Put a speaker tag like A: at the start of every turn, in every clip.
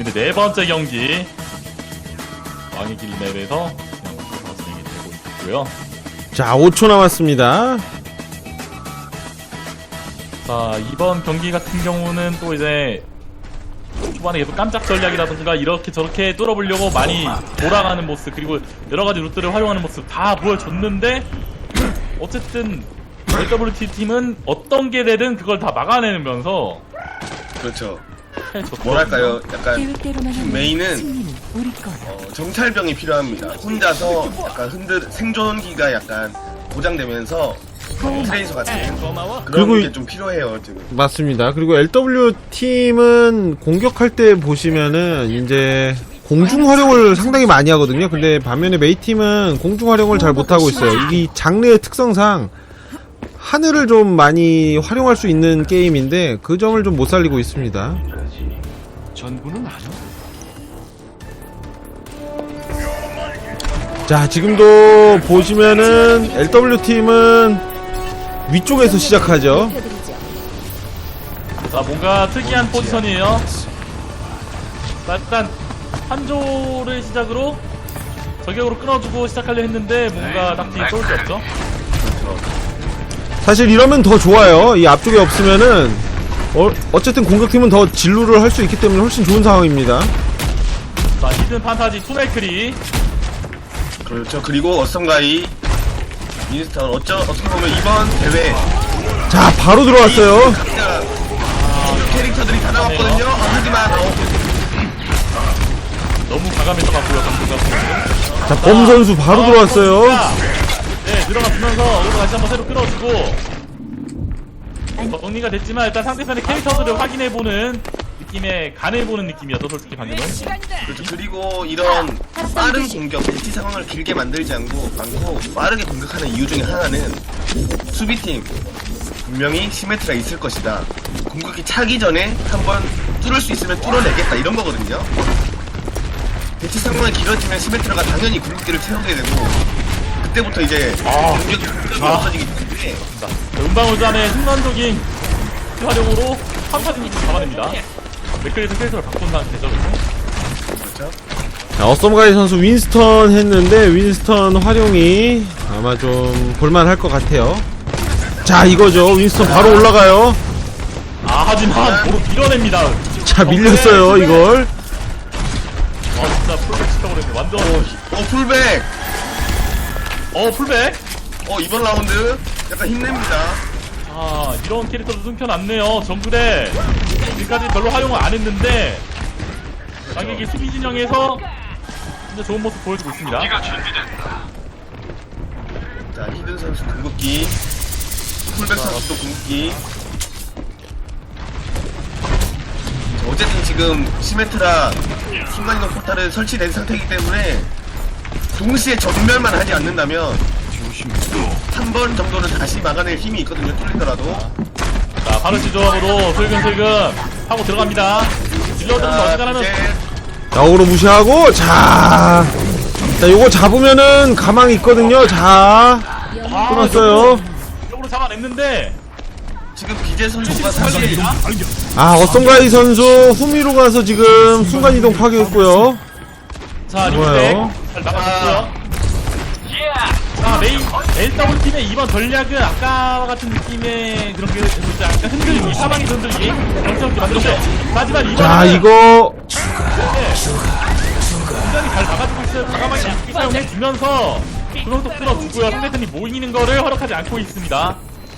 A: 근데 네 번째 경기 왕의 길 맵에서 그냥 먼저 진행이 되고 있고요.
B: 자, 5초 남았습니다.
A: 자, 이번 경기 같은 경우는 또 이제 초반에 계속 깜짝 전략이라든가 이렇게 저렇게 뚫어보려고 많이 돌아가는 모습, 그리고 여러가지 루트를 활용하는 모습 다 보여줬는데, 어쨌든 LWT 팀은 어떤 게 되든 그걸 다 막아내면서
C: 그렇죠.
A: 해줬거든요.
C: 뭐랄까요, 약간
D: 계획대로만
C: 메인은
D: 하면 승리는 우리 거야.
C: 정찰병이 필요합니다. 혼자서 약간 생존기가 약간 보장되면서 트레이서 같은 그런
B: 그리고
C: 게 좀 필요해요 지금.
B: 맞습니다. 그리고 LW팀은 공격할 때 보시면은 이제 공중 활용을 상당히 많이 하거든요. 근데 반면에 메이팀은 공중 활용을 잘 못하고 있어요. 이 장르의 특성상 하늘을 좀 많이 활용할 수 있는 게임인데 그 점을 좀 못 살리고 있습니다.
E: 전부는 아니야.
B: 자, 지금도 보시면은 LW팀은 위쪽에서 시작하죠.
A: 자, 뭔가 특이한 포지션이에요. 자, 일단 한조를 시작으로 저격으로 끊어주고 시작하려 했는데 뭔가 딱히 쏠 게 없죠.
B: 사실 이러면 더 좋아요. 이 앞쪽에 없으면은 어쨌든 공격팀은 더 진루를 할 수 있기 때문에 훨씬 좋은 상황입니다.
A: 자, 히든 판타지 투메크리.
C: 그렇죠. 그리고 어썸가이 미니스턴 어떻게 보면 이번 대회
B: 자, 바로 들어왔어요.
C: 각자 주요 캐릭터들이 다 나왔거든요. 하지만
A: 너무 과감했어갖고요, 방금.
B: 자, 범 선수 바로 들어왔어요.
A: 네, 들어가주면서 오늘 다시 한번 새로 끌어주고 정리가 됐지만 일단 상대편의 캐릭터들을 확인해보는 느낌의 간을 보는 느낌이었죠, 솔직히 방금은.
C: 그렇죠. 그리고 이런 빠른 공격, 대치 상황을 길게 만들지 않고 빠르게 공격하는 이유 중에 하나는 수비팀 분명히 시메트가 있을 것이다. 공격이 차기 전에 한번 뚫을 수 있으면 뚫어내겠다 이런 거거든요. 대치 상황이 길어지면 시메트라가 당연히 궁극기를 채우게 되고 그때부터 이제 공격이 없어지기 때문에
A: 은방울단의 순간적인 활용으로 판타지를 잡아냅니다. 맥클리에서 캐릭터를 바꾼 상태죠,
C: 그렇죠.
B: 자, 어썸가이 선수 윈스턴 했는데 윈스턴 활용이 아마 좀 볼만할 것 같아요. 자, 이거죠. 윈스턴 바로 올라가요.
A: 하지만 도로 밀어냅니다.
B: 자, 밀렸어요, 이걸.
A: 진짜 풀백 시켜버렸네, 완전.
C: 풀백!
A: 풀백?
C: 이번 라운드 약간 힘냅니다.
A: 이런 캐릭터도 숨겨놨네요. 정글에 지금까지 별로 활용을 안 했는데 자기에게 수비 진영에서 진짜 좋은 모습 보여주고 있습니다.
C: 자, 히든 선수 궁극기, 풀백 선수도 궁극기. 자, 어쨌든 지금 시메트라 순간이동 포탈은 설치된 상태이기 때문에 동시에 전멸만 하지 않는다면 한 번 정도는 다시 막아낼 힘이 있거든요, 뚫리더라도.
A: 자, 바르시 조합으로 슬금슬금 하고 들어갑니다. 딜러들은 어지간하면
B: 자, 어그로 무시하고, 자, 요거 잡으면은 가망이 있거든요. 자, 끊었어요.
A: 쪽으로 잡아냈는데
C: 지금 비제 선수가 사실
B: 어썸가이 선수 후미로 가서 지금 순간이동 파괴했고요.
A: 자,
B: 좋아요.
A: 리프렉 잘 나가줬고요. 자, 메인 LW팀의 이번 전략은 아까와 같은 느낌의 그런 게 진짜 약간 흔들기, 사방이 흔들기 정신없게 만들었어요. 하지만 이번에는
B: 자, 이거
A: 굉장히 잘 막아주고 있어요. 과감하게 약기 사용해주면서 그것도 끌어주고요. 상대편이 모이는 거를 허락하지 않고 있습니다.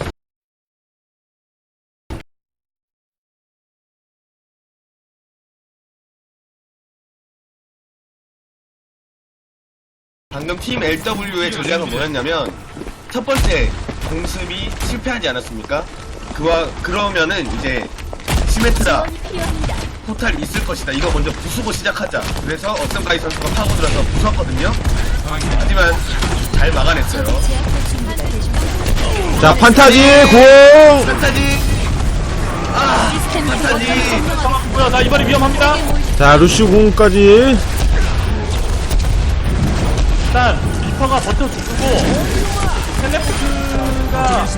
C: 방금 팀 LW의 전략은 뭐였냐면 첫 번째 공습이 실패하지 않았습니까? 그러면은 이제 시메트라 포탈 있을 것이다. 이거 먼저 부수고 시작하자. 그래서 어썸가이 선수가 파고들어서 부쉈거든요. 하지만 잘 막아냈어요.
B: 자, 판타지 공.
C: 판타지. 판타지.
A: 뭐야, 나 이번에 위험합니다.
B: 자, 루시 공까지.
A: 일단 리퍼가 버텨주고 텔레포트가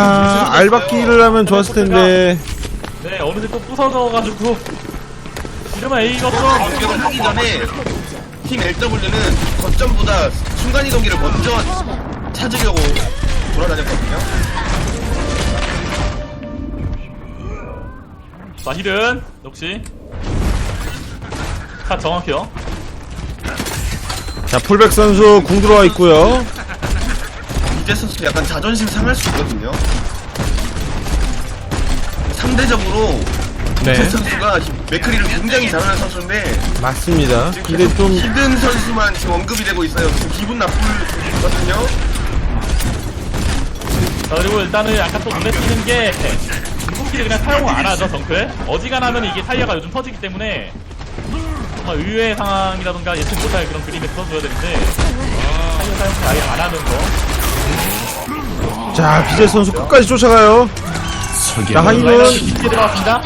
B: 알바끼를 하면 좋았을 텐데.
A: 네, 어느새 또 부서져가지고 이러면 A가 없어.
C: 공격을 하기 전에 팀 LW는 거점보다 순간이동기를 먼저 찾으려고 돌아다녔거든요.
A: 자, 힐은 역시 자, 정확해요.
B: 자, 풀백 선수 궁 들어와 있고요.
C: 이재 선수 약간 자존심 상할 수 있거든요. 상대적으로
B: 네,
C: 이재 선수가 맥크리를 굉장히 잘하는 선수인데
B: 맞습니다. 근데 좀
C: 히든 선수만 지금 언급이 되고 있어요. 지금 기분 나쁘거든요.
A: 자, 그리고 일단은 아까 또 눈에 띄는 게 궁극기를 그냥 사용을 안 하죠, 정클. 어지간하면 이게 타이어가 요즘 터지기 때문에 정말 의외의 상황이라던가 예측 못할 그런 그림에 써줘야 되는데 타이어 사용을 아예 안 하는 거.
B: 자, 비제 선수 끝까지 쫓아가요. 자,
A: 라이너
B: 하이는
A: 깊게 들어갔습니다.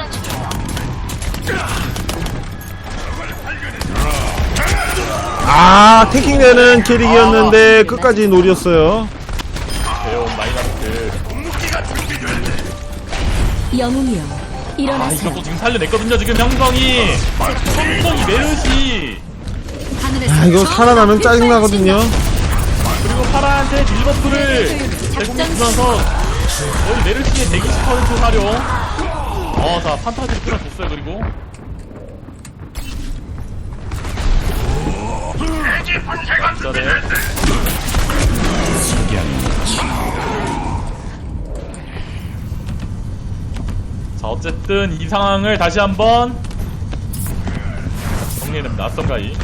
B: 탱킹되는 캐릭이었는데 끝까지 노렸어요.
A: 배운 마이너스.
D: 영웅이여
A: 아,
D: 일어나세요.
A: 이것도 지금 살려냈거든요, 지금 형성이 메르시.
B: 이거 살아나면 짜증나거든요.
A: 그리고 파라한테 딜버프를 제공해주면서 거의 메르시의 120% 활용. 자, 판타지를 끌어줬어요, 그리고. 기다려. 자, 어쨌든 이 상황을 다시 한번 정리해냅니다. 낯선가이.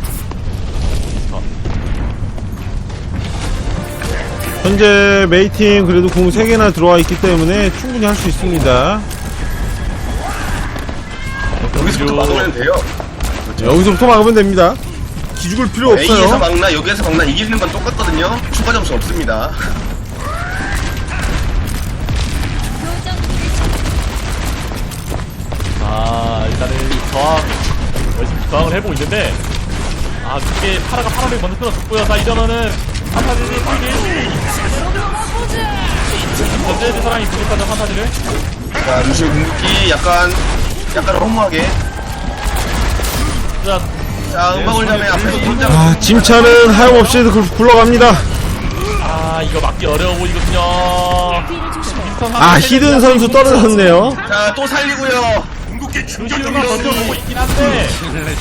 B: 현재 메이팀 그래도 공 3개나 들어와 있기 때문에 충분히 할 수 있습니다.
C: 여기서부터 막으면 돼요.
B: 여기서부터 막으면 됩니다. 기죽을 필요
C: A에서
B: 없어요.
C: 막나 여기에서 막나 이기는 건 똑같거든요. 추가 점수 없습니다.
A: 일단은 열심히 저항을 해보고 있는데, 이게 파라가 파라를 먼저 끊어줬고요. 자, 이러면은 판타지를 풀기. 전제해줄 사람이 부족하죠, 판타지를.
C: 자, 루시오 궁극기 약간 허무하게.
A: 자,
C: 자, 음악을 자매 앞에서 돌자.
B: 짐차는 하염없이 굴러갑니다.
A: 이거 막기 어려워 보이거든요.
B: 히든 선수 떨어졌네요.
C: 자, 또 살리고요.
A: 루시우가 버텨보고 있긴 한데,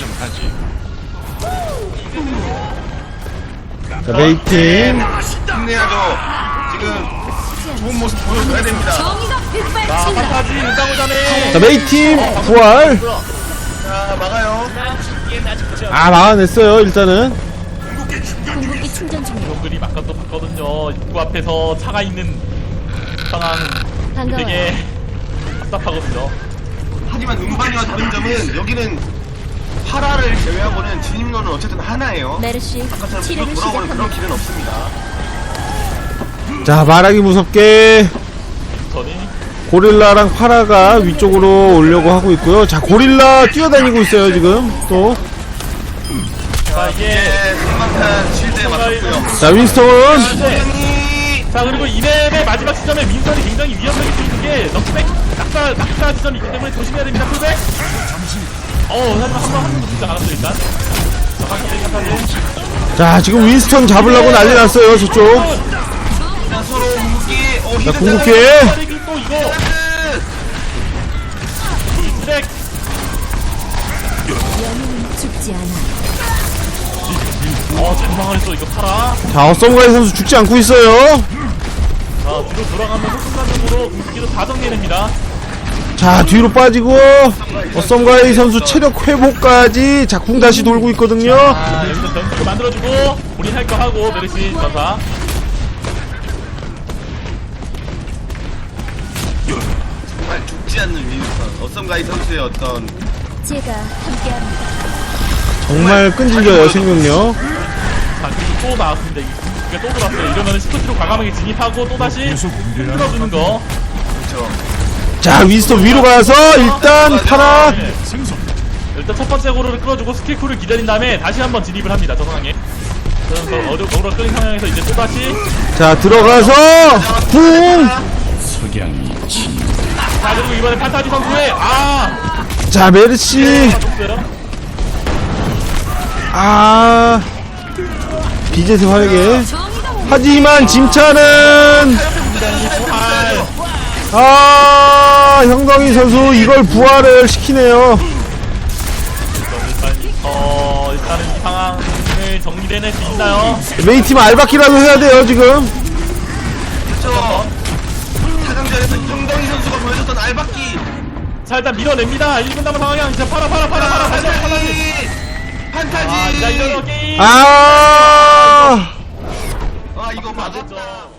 B: 자, 메이팀.
C: 힘내야죠. 지금 좋은 모습 보여줘야 됩니다.
D: 정의가 빛발친다.
A: 판타지 일당오자네.
B: 자, 메이팀 부활.
C: 자, 막아요.
B: 막아냈어요, 일단은.
D: 궁극기 충전 중.
A: 그림 아까 또 봤거든요. 입구 앞에서 차가 있는 상황
D: 반가워요.
A: 되게 답답하거든요.
C: 하지만 음반이와 다른 점은 여기는 파라를 제외하고는 진입로는 어쨌든 하나예요.
D: 메르시
C: 아까처럼
D: 치료를
C: 계속 돌아오는 그런
D: 시작합니다.
C: 길은 없습니다.
B: 자, 말하기 무섭게
A: 전이
B: 고릴라랑 파라가 위쪽으로 오려고 하고 있고요. 자, 고릴라 뛰어다니고 있어요, 지금. 또.
A: 자, 이게
C: 이제 한방탄 실드에 맞췄고요.
B: 자, 윈스턴.
A: 자, 그리고 이맵의 마지막 지점에 민선이 굉장히 위험하게 쓰이는 게 넉백 낙사 지점이 있기 때문에 조심해야 됩니다. 풀백. 하지만 한번 진짜 알았어요, 일단. 자, 판타지.
B: 자, 지금 윈스턴 잡으려고 난리 났어요, 저쪽.
C: 자, 서로 궁극기.
B: 자, 궁극기.
A: 빠르기 또 이거. 트랙.
D: 영웅은 죽지 않아.
A: 전망을 또 이거 팔아.
B: 자, 어썸가이 선수 죽지 않고 있어요.
A: 자, 뒤로 돌아가면서 순간적으로 궁극기도 다 정리해냅니다.
B: 자, 뒤로 빠지고 어썸가이 선수 체력 회복까지 자, 궁 다시 돌고 있거든요.
A: 여기서 변수를 만들어주고 우린 할 거 하고 메르시 전사.
C: 정말 죽지 않는 윈스턴. 어썸가이 선수의 어떤
D: 제가 함께합니다.
B: 정말 끈질겨요, 생명력.
A: 자, 그리고 또 나왔습니다. 이게 또 돌았어요. 이러면 시프트로 과감하게 진입하고 또 다시 끌어주는 거.
C: 그렇죠.
B: 자, 윈스턴 위로 가서 일단 파라.
A: 네. 일단 첫 번째 고르를 끌어주고 스킬쿨을 기다린 다음에 다시 한번 진입을 합니다. 저 상황에. 그래서 어그로 끌린 상황에서 이제 또 다시.
B: 자, 들어가서 궁.
A: 자, 그리고 이번에 판타지 선수의
B: 자, 메르시.
A: 줬어요.
B: 아 비젯의 활약에 하지만 짐차는 아 형동이 선수 이걸 부활을 시키네요.
A: 일단은 이 상황을 정리해낼 수 있나요?
B: 메이팀 알바키라도 해야 돼요 지금.
C: 그렇죠. 4강전에서 형동희 선수가 보여줬던 알바끼.
A: 자 일단 밀어냅니다. 1분 남은 상황이야. 이제 팔아 다시
C: 판타지.
A: 자 이런 게임
B: 아
C: 아 이거
A: 안 됐죠.
C: 맞았다.